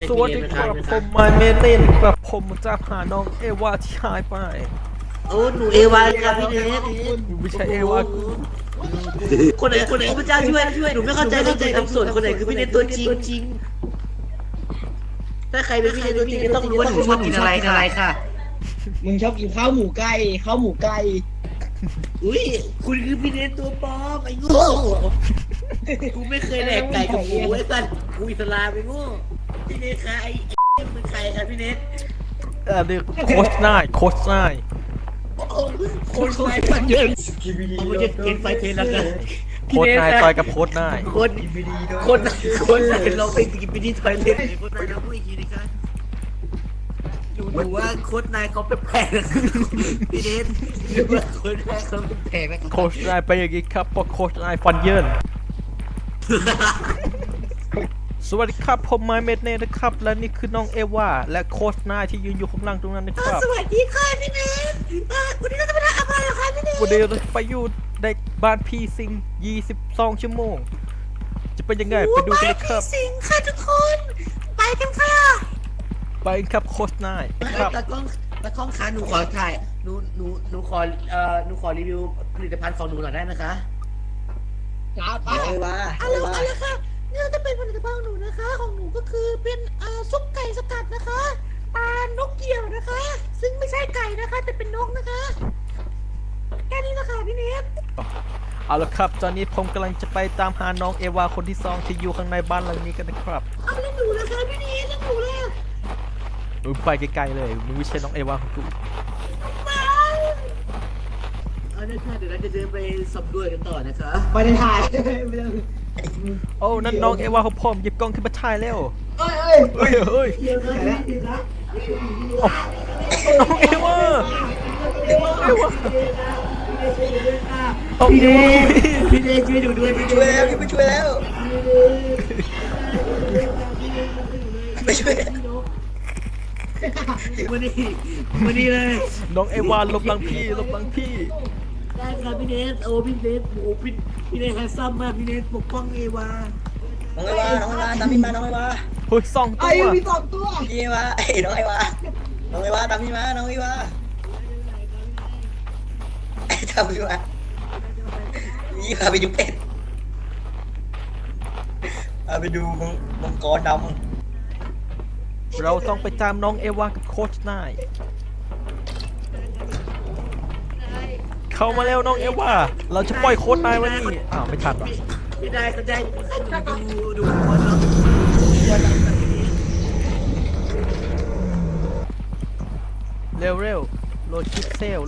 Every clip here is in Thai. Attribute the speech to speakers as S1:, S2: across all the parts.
S1: สวัสดีครับผมไมเมเล่นกับผมจะหาน้องเอวาที่หายไป
S2: โอ้หนูเอวาครับพี่เนท
S1: ไม่ใช่เอวากู
S2: คนไหนพระเจ้าช่วยหนูไม่เข้าใจเรื่องตัวทำส่วนคนไหนคือพี่เนทตัวจริงถ้าใครเป็นพี่เนทตัวจริงก็ต้องรู้ว่าหนูชอบกินอะไรค่ะ
S3: มึงชอบกินข้าวหมูไก่
S2: อุ้ยคุณคือพี่เนทตัวปลอมไอ้โง่กูไม่เคยแดกไก่กับหมูไอ้สัตว์กูอิสลามไอ้โง่พี่เนทใครไอ้เป็นใครครับพี่เนท
S1: เรียกโค้ชนาย
S2: คนไฟฟันเยินเขาไม่ใช่เก่งไฟเทนแล้วกัน
S1: โค้ชนายต่อยกับโค้ชนาย
S2: คนไหนเราไปกินไปที่ทอยเล็ตคนไหนเราพูดอีกทีนะครับดูว่าโค้ดนายเขาแปลกๆนะพี่เดชดูว่าโค้ดนายเขาแปลกๆนะ
S1: โค้ชนายไปอย่างนี้ครับเพราะโค้ชนายฟันเยินสวัสดีครับผมไมเมเล่นะครับและนี่คือน้องเอวาและโค้ชนายที่ยืนอยู่ข้างล่างตรงนั้นนะครับ
S2: สวัสดีค่ะพี่เดชวันนี้เราจะไปทำอะไรคะพี่เดช
S1: วันนี้เราไปอยู่ในบ้านพี่สิง22 ชั่วโมง จะเป็นยังไงไปดูกันเลยครับ
S2: สิงค่ะทุกคนไปกันค่ะ
S1: ไปครับโค้ชนายครับ
S2: ตากล้องคะหนูขอถ่ายหนูขอหนูขอรีวิวผลิตภัณฑ์ของหนูหน่อยได้ไหมคะ
S3: ครับป้า
S2: อะไรค่ะเนี่ยจะเป็นผลิตภัณฑ์ของหนูนะคะ ของหนูก็คือเป็นซุปไก่สกัดนะคะปลานกเกี่ยวนะคะ ซึ่งไม่ใช่ไก่นะคะ แต่เป็นนกนะคะแค่นี้นะคะพี่เนท
S1: เอาละครับตอนนี้ผมกำลังจะไปตามหาน้องเอวาคนที่2ที่อยู่ข้างในบ้านหลังนี้กันนะครับ
S2: เอาแล้วหนูนะคะพี่เนทแล้วหนูล่ะ
S1: มึงไปไกลๆเลยมึงไม่ใช่น้องเอวาของกู
S2: เอาได้ค่ะเดี๋ยวเราจะเดินไปสำรวจกันต่อนะคะ
S3: ไม่ได้ถ่ายไม่ได้
S1: โอ้นั่นน้องเอวาของผมหยิบกล้องขึ้นมาถ่ายเร็ว
S3: เอ้ย
S1: เฮ้ยเฮ้ย
S2: เดี๋ยวนะพี่นะ
S1: น้องเอวาโอ้
S2: พี่เนทพี่เนทช่วยดูด้วยพี่
S3: ช่วยแล้วไปช่วยแล้วไปช่วย
S2: มานี่เลย
S1: น้องเอวาหลบหลังพี่หลบหลังพี่
S2: ได้ครับพี่เนทโอ้พี่เนทโอ้พี่เนทแฮนซัมมากพี่เนทปกป้องเอวา
S3: น้องไอวาตามพี่มาน้องไอวา
S1: เฮ้ย2 ตัว
S3: มี2 ตัวพี่ไอวาน้องไอวาตามพี่มาน้องไอวาตามพี่มาพี่พาไปดูเป็ดพาไปดูมังกรดำ
S1: เราต้องไปตามน้องเอวากับโค้ชนายเข้ามาแล้วน้องเอวาเราจะปล่อยโค้ชนายไว้นี่อ้าวไม่ทันหรอ
S2: ไม่ได้ก็ได้ดูคนเนาะ
S1: เร็วโหลดคลิปเซล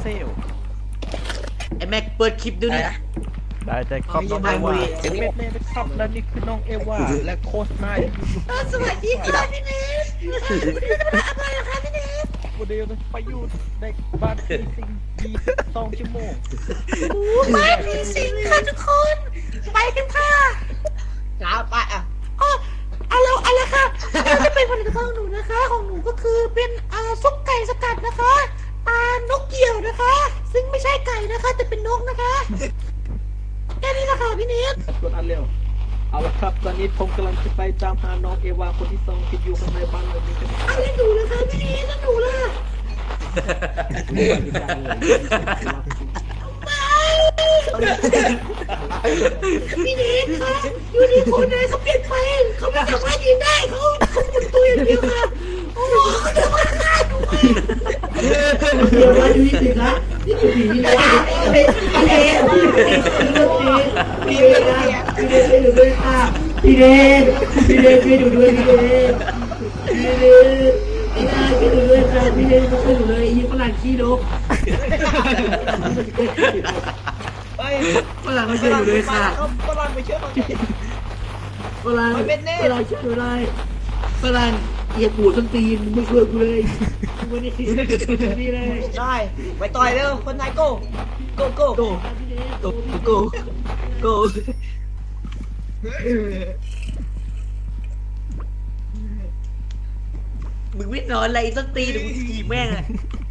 S2: ไอแม็กเปิดคลิปดูนี่
S1: ได้ครับน้องเอวาเม็ดเล่นะครับและนี่คือน้องเอวาและโค้ชนายที่อยู่
S2: สวัสดีค่ะพี่เนทอะไรคะพี่เนท
S1: วันนี้เราไปอยู่ในบ้านพี่สิง22 ชั่วโมง
S2: บ้านมีสิงค่ะทุกคนไปกันค่ะ
S3: ครับป้าอ่ะ
S2: อ๋ออะไรค่ะนี่จะเป็นผลิตภัณฑ์ของหนูนะคะ ของหนูก็คือเป็นซุปไก่สกัดนะคะปลานกเกี่ยวนะคะ ซึ่งไม่ใช่ไก่นะคะ แต่เป็นนกนะคะแค่นี้นะคะพี่เนท
S1: กดอันเร็วเอาละครับตอนนี้ผมกำลังจะไปตามหาน้องเอวาคนที่2ที่อยู่ข้างในบ้านหลังนี้กัน
S2: เอาแล้วหนูล่ะคะพี่เนทแล้วหนูล่ะพี่เนทคะอยู่ดีคนไหนเขาเปลี่ยนไปเขาไม่สามารถยืนได้เขาหมุนตัวอย่างเดียวค่ะโอ้โหเดี๋ยวมาฆ่าหนูเดี๋ยวมาดูสิคะนี่คือผีนะพี่เนทพี่เนทช่วยดูด้วยค่ะพี่เนทช่วยดูด้วยพี่เนทช่วยดูด้วยค่ะพี่เนทช่วยดูเลยยี่ฝรั่งขี้นก
S3: ไป
S2: ฝรั่งเขาช่วยดูด้วยค่ะ
S3: ฝรั่งไปช่วยเขาหน่อย
S2: ฝรั่ง
S3: มันเป็นเนต
S2: ฝรั่งช่วยดูได้ฝรั่งเหยียบหูส้นตีนไม่ช่วยกูเลยกูนี่นี่เลย
S3: ได้ไปต่อยเร็วคนไทยโก้โก้โก้
S2: โกโกโกโกมึงไม่นอนอะไรส้นตีนหรือมึงถีบแม่งอะ